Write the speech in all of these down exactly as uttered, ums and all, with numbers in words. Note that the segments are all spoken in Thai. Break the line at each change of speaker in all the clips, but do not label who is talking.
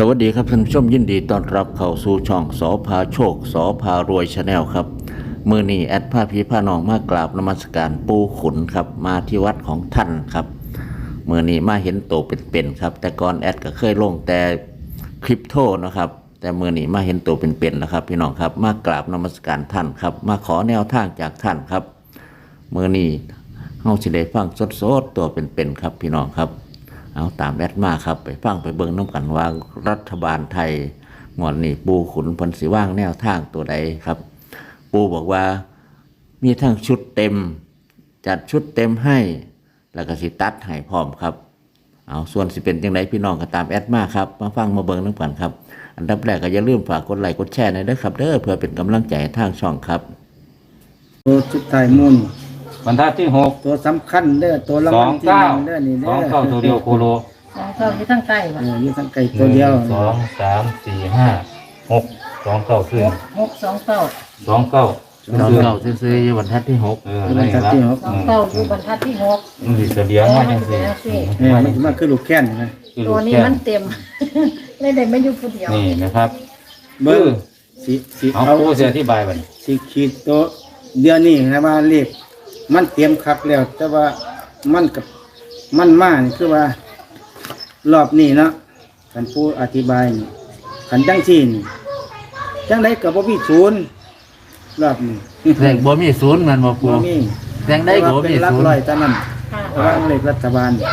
วัสดีครับท่านผู้ชมยินดีต้อนรับเข้าสู่ช่องสอพาโชคสอพารวยชาแนลครับมือนี้แอดผ้าพีผ้านองมากราบนมัสการปูขุนครับมาที่วัดของท่านครับมือนี้มาเห็นโตเป็นๆครับแต่ก่อนแอดก็เคยลงแต่คริปโตนะครับแต่มือนี้มาเห็นโตเป็นๆนะครับพี่น้องครับมากราบนมัสการท่านครับมาขอแนวทางจากท่านครับมือนี้เฮาสิได้ฟังสดๆตัวเป็นๆครับพี่น้องครับเอาตามแอดมาครับไปฟังไปเบิ่งน้ำกันว่ารัฐบาลไทยงวดนี้ปูขุนพลสิว่างแนวทางตัวใดครับปูบอกว่ามีทั้งชุดเต็มจัดชุดเต็มให้แล้วก็สิตัดให้พร้อมครับเอาส่วนสิเป็นจังไดพี่น้องก็ตามแอดมาครับมาฟังมาเบิ่งน้ำกันครับอันดับแรกก็อย่าลืมฝากกดไลค์กดแชร์หน่อยนะครับเด้อเพื่อเป็นกำลังใจทางช่องครับ
ตัวชุดไทยมุ่น
บรรทัดที่หก
ตัวสำคัญเด้อตัวละมันที่หนึ่งเด้อนี่เด้อ
สองเก้าตัวเดียวโคโล
สองเก้าที่ทั้งใต้
ป่ะอยู่ทั้งไก่ตัวเดียว
สองสามสี่ห้าหกสองเก้าขึ้น
หกสองเก้า
สองเก้า
สองเก้าซื้อๆอยู่บรรทัดที่หก
เออบรรทัดที่หก
สองเก้าอยู่บรรทัดที่หก
มันดีเสียงมาจังสิ
เนี่ยมันมันคือลูกแค้นนะ
ตัวนี้มันเต็มเลยได้ไม่อยู่ผู้เดียว
นี่นะครับ
เบอร์สีสี
เอาผู้เสียอธิบายบัด
สีขีดตัวเดือนนี้นะว่าเลขมันเตรียมคักแล้วแต่ว่ามันกับมันมานี่คือว่ารอบนี้เนาะท่านผู้อธิบายนี่ขันจังซี่นี่จังไดก็บ่มีศูนย์รอบนี้
แรงบ่มีศูนย์มันบ่ปู
บ่มี
แรงได้ก็บ่มีศูนย์
ร้อยแต่นั้นวางเลขรัฐบาล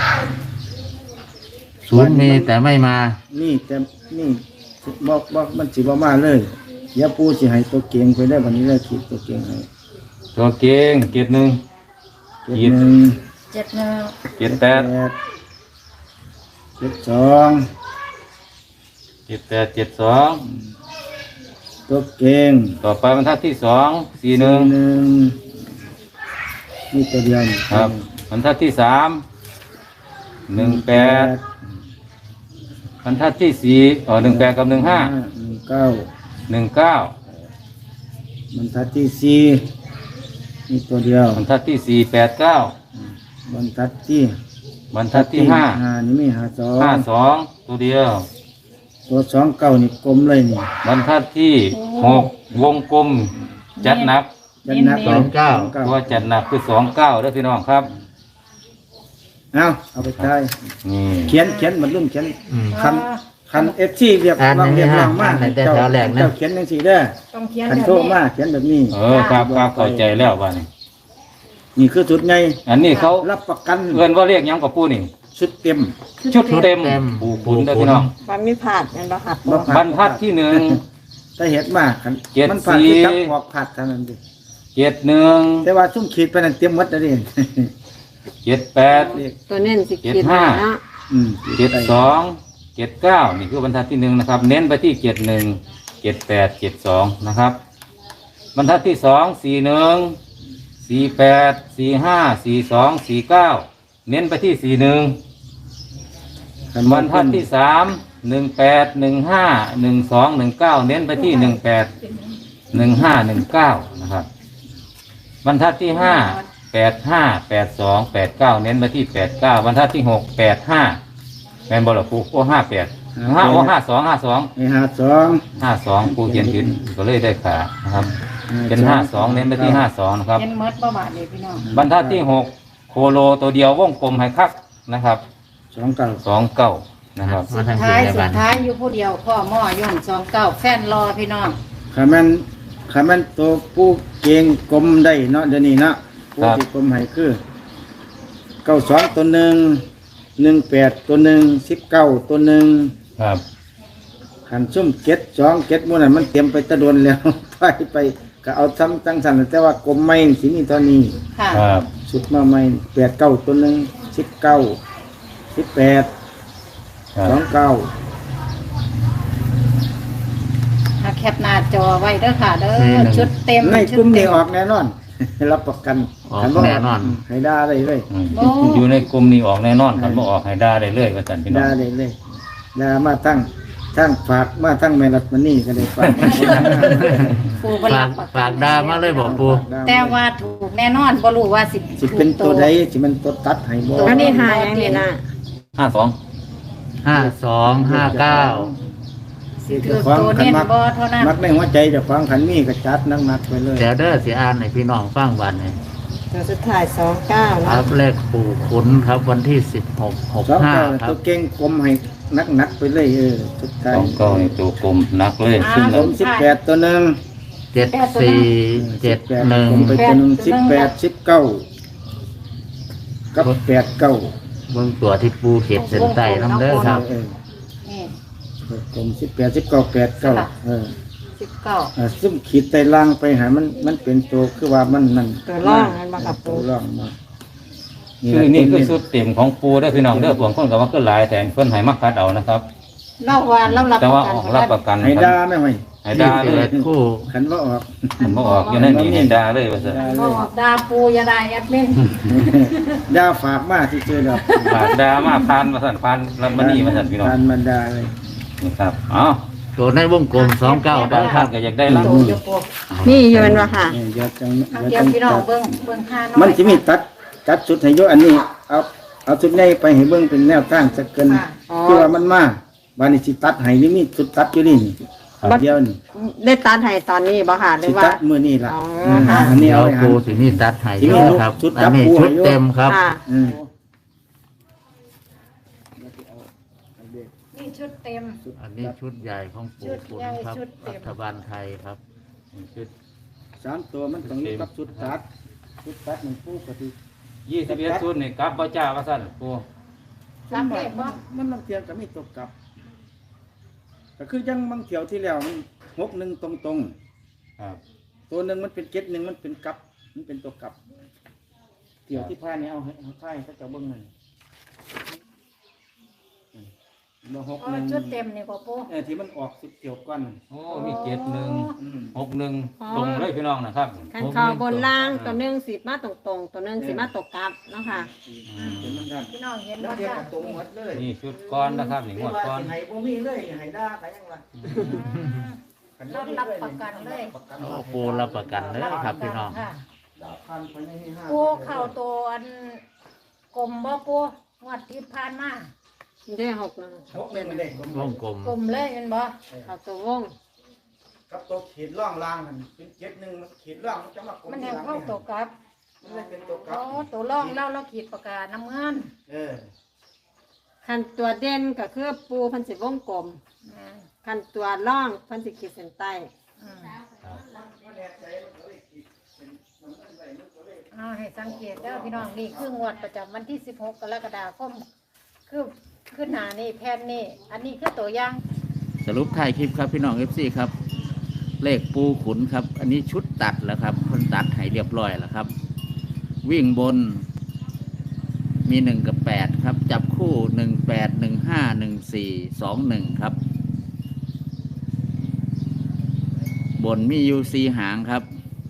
ศูนย์มีแต่ไม่มา
นี่แต่นี่บอกบอกมันสิบ่มาเลยอย่าปูสิให้ตัวเก่งไปได้วันนี้เลยขีดตัวเก่งให้
ตัวเก่งเกียรติหนึ่ง
ขีดหนึ่ง
เจ็ดหนึ่ง
เกียรติแปด
เจ็ดสอง
เกียรติแปดเจ็ดสอง
ตัวเก่ง
ต่อไปบรรทัดที่สองสี่หนึ่ง
นี่ตัวเดียว
ครับบรรทัดที่สามหนึ่งแปดบรรทัดที่สี่อ๋อหนึ่งแปดกับหนึ่งห้า
หนึ่งเก้า
หนึ่งเก้า
บรรทัดที่สี่นี่ตัวเดียว
บรรทัดที่สี่แปดเก้า
บรรทัดที่
บรรทัดที่ห้า
นี่มีห้าสอง
ห้าสองตัวเดียว
ตัวสองเก้านี่กลมเลยนี่
บรรทัดที่หกวงกลมจัดหนัก
จัดหนัก
สองเก้า
ตัวจัดหนักคือสองเก้าด้วยพี่น้องครับ
เอาเอาไปใช้เขียนเขียนมันรุ่นเขียนคันคันเอฟซีเรียบร้อยเรียบร้อยมากเจ้าเจ้าเขียนยังสี่เด้อคันโทษมากเขียนแบบนี้
เออครับครับเข้าใจแล้วว่านี่
นี่คือชุดไง
อันนี้เขา
รับประกัน
เงินว่าเรียกยังกับปูนี่
ชุดเต็ม
ชุดเต็มปูปูนเด้อพี่น้อง
มันมีผ่านกันบ่ครับ
บรรทัดที่หนึ่ง
ถ้าเห็นมากมันผ่านที่จับหอกผัดเท่านั้นดิ
เจ็ดหนึ่ง
แต่ว่าชุ่มขีดไปนั่นเตรียมมัดแล้วดิ
เจ็ดแปด
ตัวเน้นสิ
เจ็ดห้าเจ็ดสองเจ็ดเก้านี่คือบรรทัดที่หนึ่งนะครับเน้นไปที่เจ็ดหนึ่งเจ็ดแปดเจ็ดสองนะครับบรรทัดที่สองสี่หนึ่งสี่แปดสี่ห้าสี่สองสี่เก้าเน้นไปที่สี่หนึ่งบรรทัดที่สามหนึ่งแปดหนึ่งห้าหนึ่งสองหนึ่งเก้าเน้นไปที่หนึ่งแปดหนึ่งห้าหนึ่งเก้านะครับบรรทัดที่ห้าแปดห้าแปดสองแปดเก้าเน้นไปที่แปดเก้าบรรทัดที่หกแปดห้าแมนบอลปูโอ้ห้าแปดห้าโอ้ห้าสองห้าสอง
ห้าสอง
ห้าสองปูเขียนขึ้นก็เลยได้ขานะครับเป็นห้าสองเน้นไปที่ห้าสองนะครับ
เน้นเมิดประมาณนี้พี่น้อง
บรรทัดที่หกโคโลตัวเดียววงกลมให้คักนะครับ
สองเก้า
สองเก้านะครับ
สุดท้ายสุดท้ายอยู่ผู้เดียวพ่อหม้อย่อมสองเก้าแฟนรอพี่น้อง
ขามันขามันตัวผู้เก่งกลมได้เนาะเดี๋ยวนี้เนาะผู้ที่กลมให้คือเก้าสองตัวหนึ่งหนึ่งแปดตัวหนึ่งสิบเก้าตัวหนึ่ง
ครับ
ขันซุ่มเก็ดสองเก็ดมันมันเตรียมไปตะดนแล้วไปไปก็เอาซ้ำตั้งสันแต่ว่ากลมไม่สินี่ตอนนี้
ครับ
สุดมาไม่แปดเก้าตัวหนึ่งสิบเก้าสิบแปดสองเก้า
แคปหน้าจอไว้เด้อค่ะเด้อชุดเต็ม
ในกลุ่มนี้ออกแน่นอนรับประกัน
แน่นอน
ให้ได้เลยเลย
อยู่ในกลุ่มนี้ออกแน่นอนครับบ่ออกให้ได้เลยเลยก็จันพี่น้อง
ได้เลยเลยได้มาตั้งตั้งฝากมาตั้งแม่รัดมันนี่ก็ได้ฝาก
ปู
ฝากฝากดามาเลยบอกปู
แต่ว่าถูกแน่นอนบ่รู้ว่าสิ
สิเป็นตัวใดสิมันตัวตัดให้บ่
อันนี้หาอย่างนี้นะ
ห้าสอง
ห้าสองห้าเก้า
สิเกือบตัวเน้นบ่เท่านั้น
มักในหัวใจเจะฟังขันมีก็จัดนักๆไปเลย
เดี๋ยวเด้อสิอ่านให้พี่น้องฟังวันนี้
ตัวสุดท้ายสองเก้า
ค
เนาะ
รับเลขปู่ขุนครับวันที่สิบหกหก
สอง
ห้า
เก้า
ครั
ตั
บ
วเก่งกลมให้นักๆไปเลยเออสุดท้าย
สองเก้านี่ตัวกลมหนักเลยซึ่ง
ผมสิบแปดตัวหนึง
เจ็ดสี่เจ็ดหนึ่ง
ผมไปตัวหนึงสิบแปดสิบเก้ากับแปดเก้า
เบื้องตัวที่ปูเขียนเส้นใต้น้ำเด้อครับ
เออ
นี่
ผมสิบแปดสิบเก้าแปดเก้าเออ
สิบเก้า
อ่าซึ่งขีดไตล่างไปหามันมันเป็นตัวคือว่ามันนั่น
ตัวร่องมันมากับ
ตั
ปู
วร่องมา
คือนี่คือสุดเต็มของปูได้อพี่น้องเด้อบางคนก็ว่าคือหลายแต่เพิ่นให้มักคัดเอานะครับ
เล่าว่าเรารับ
แต่
ประ
ว่า
กัน
ออกรับประกัน
ให้ด่าไม่ไหว
ให้ด่าเล
เปิ
ย
ดคู่
ขันว่าออก
ผมบ่ออกอยู่ในนี่ให้ด่าเลยว่าซั่น
บ่ออกดาปูอย่าได้แอดมิน
ด่าฝากมาที่เจอดอก
ฝากด่ามาพานมาสั่นพานรันมานี่มาสั่นพี่น้อง
ทานมันด่าเลย
นี่ครับเอ้า
ตัวในวงกลมสองเก้า
บา
ได้
ง
ค
ท่า
รั
น
บ
ก็อยากได้รับ
โตอยู่ปู
นี่อยู่เป็นว่าค่ะ
นี่เดี๋ยวจัง
เอา
เดี๋
เดี๋
ย
ยว ว
จัง
พี่น้องเบิ่งเบิ่งค่าน้อย
มันจะมีตัดตัดชุดให้โยอันนี้ เอาเอาชุดใหญ่ไปให้เบิ่งเป็นแนวทางสักเกิน
อ๋อ
คือว่ามันมาบานนี้สิตัดให้นี่มีชุดตัดอยู่นี่นี่เดียวนี่
ได้ตัดให้ตอนนี้บ่ค่ะหรื
สิ
อว่า
ตัดมื้อนี้ล่ะ
อ๋ออื
ม
ค่ะ
อันนี้
เดี๋ย
เอา
ว
ไว้ให้
ปูสิมีตัดให้
สิมี
ครับ
ชุด
อันนี้
จับปู
ชุด
ให้อยู่
เต็มครับ
ค่ะ
อืม
นี่ชุดเต็ม
อันนี้ชุดใหญ่ของปู่ขุนครับ
ชุดใหญ่ชุดเต็
รั
ม
ฐบาลไทยครับ
ชุด
สามตัวมันต้องอยู่กับชุดตัดชุดตัดมันปูกติ
ยี่สิบเอ็ดชุดนี่กลับบ่จ้าว่าซั่นปู
รับเลขบ่
มันบางเทียก็มีตกกลับก็คือยังบางเที่ยวที่แล้วมันหกหนึ่งตรงตรง
ครับ
ๆตัวหนึ่งมันเป็นเจ็ดหนึ่งมันเป็นกลับ มันเป็นตัวกลับเที่ยวที่ผ่านนี่เอาให้เอาไข่เขาจะเบิ้งหน่อยบ่หก
อ๋อ
หนึ่ง
ชุดเต็มนี่บ่ปู
เออที่มันออกสิบเที่ยวก่อน
โอ้มีเจ็ดหนึ่ง
อืม
หกหนึ่ง
อ๋อ
ตรงเลยพี่น้องนะครับ
ขันคอบนล่างตัวหนึ่งสีมาตรงๆ ตัวหนึ่งสีมาตกกลับเนาะค่ะ
เป็นมันกัน
พี่น้องเห็น
แล้ว
บ่
เทียบ
จ้า
กับตรงหมดเลย
นี่ชุดก้อนนะครับนี่งวดก้อน
ให้บ่มีเลยให้ด่าไปยังวะ
เรารับประกันเลย
โอ้ปูรับประกันเลยครับพี่น้อง
ค่ะ
ด่าพันไปในนี้ห้า
ปูเข้าตัวอันกลมบ่ปูงวดที่ผ่านมา
ได้หกหนึ่ง
หกหนึ่งมันเด็ก
วงกลม
กลมเลยเห็นบ่
เอาตัววง
กับตัวขีดล่องล่างมันเป็นเจ็ดหนึ่งมันขีดล่องมันจะมากลม
มัน
ที
แห่ง
หลัง
เข้า
นี่
ตัวกลับ
มันเลยเป็นตัวกลั
โอ้
บ
ตัวร่องเล่าเราขีดประกาศน้ำเงิน
เออ
ขันตัวเด่นก็คือปูพันสิวงกลม
นะ
ขันตัวร่องพันสิขีดเส้นใต้
อืมเอาให้สังเกตเด้อพี่น้องนี่คืองวดประจำวันที่สิบหกกรกฎาคมคือขึ้นหน้านี่แผ่นนี่อันนี้คือตัวอย่าง
สรุปท้ายคลิปครับพี่น้องเอฟซีครับ เลขปูขุนครับ อันนี้ชุดตัดแล้วครับเพิ่นตัดให้เรียบร้อยแล้วครับ วิ่งบน มีหนึ่งกับแปดครับ จับคู่หนึ่งแปดหนึ่งห้าหนึ่งสี่สองหนึ่งครับ บนมีอยูซีหางครับ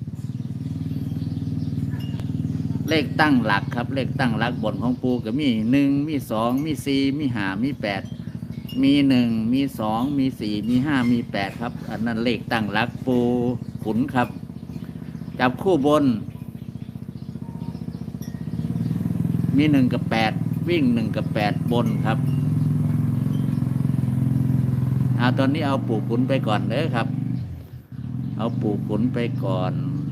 เลขตั้งหลักครับ เลขตั้งหลักบนของปูก็มีหนึ่งมีสองมีสี่มีห้ามีแปดมีหนึ่งมีสองมีสี่มีห้ามีแปดครับ อันนั้นเลขตั้งหลักปูขุนครับ จับคู่บน มีหนึ่งกับแปดวิ่งหนึ่งกับแปดบนครับเอาตอนนี้เอาปู่ขุนไปก่อนเลยครับ เอาปู่ขุนไปก่อน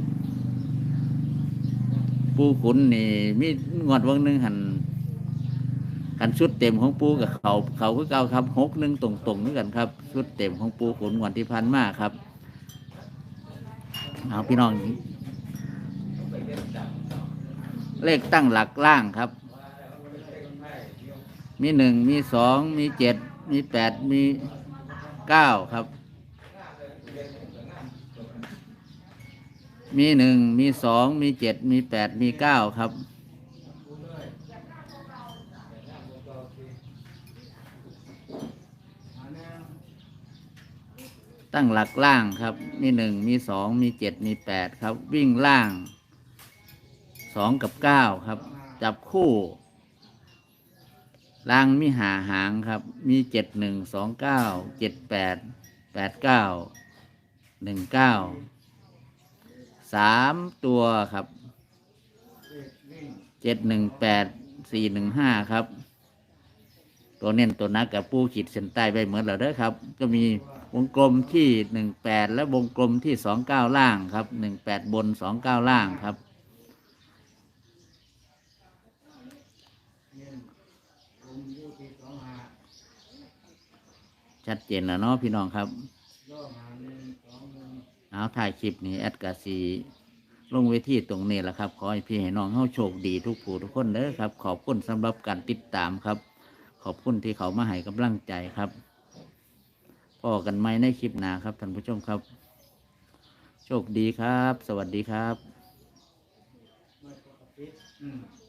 ปู่ขุนนี่มีงวดวันหนึ่งหันกันชุดเต็มของปูกับเขาเขาคือเก่าครับหกหนึ่งตรงๆด้วยกันครับชุดเต็มของปูขุนงวดที่พันมากครับเอาพี่น้อง เลขตั้งหลักล่างครับ มีหนึ่งมีสองมีเจ็ดมีแปดมีเก้าครับ มีหนึ่งมีสองมีเจ็ดมีแปดมีเก้าครับ ตั้งหลักล่างครับ มีหนึ่งมีสองมีเจ็ดมีแปดครับ วิ่งล่างสองกับเก้าครับ จับคู่ล่างมีหาหางครับ มีเจ็ดหนึ่งสองเก้าเจ็ดแปดแปดเก้าหนึ่งเก้าสามตัวครับเจ็ดหนึ่งแปดสี่หนึ่งห้าครับ ตัวเน้นตัวนักกับปูขีดเส้นใต้ไปเหมือนเราเด้อครับ ก็มีวงกลมที่หนึ่งแปดและวงกลมที่สองเก้าล่างครับหนึ่งแปดบนสองเก้าล่างครับชัดเจนแล้วเนาะพี่น้องครับเอาถ่ายคลิปนี้แอดกาซีลงเวทีตรงนี้แหละครับขอให้พี่ให้น้องเฮาโชคดีทุกผู้ทุกคนเด้อครับขอบคุณสำหรับการติดตามครับขอบคุณที่เขามาให้กำลังใจครับพอกันไหมในคลิปหน้าครับท่านผู้ชมครับโชคดีครับสวัสดีครับ
อืม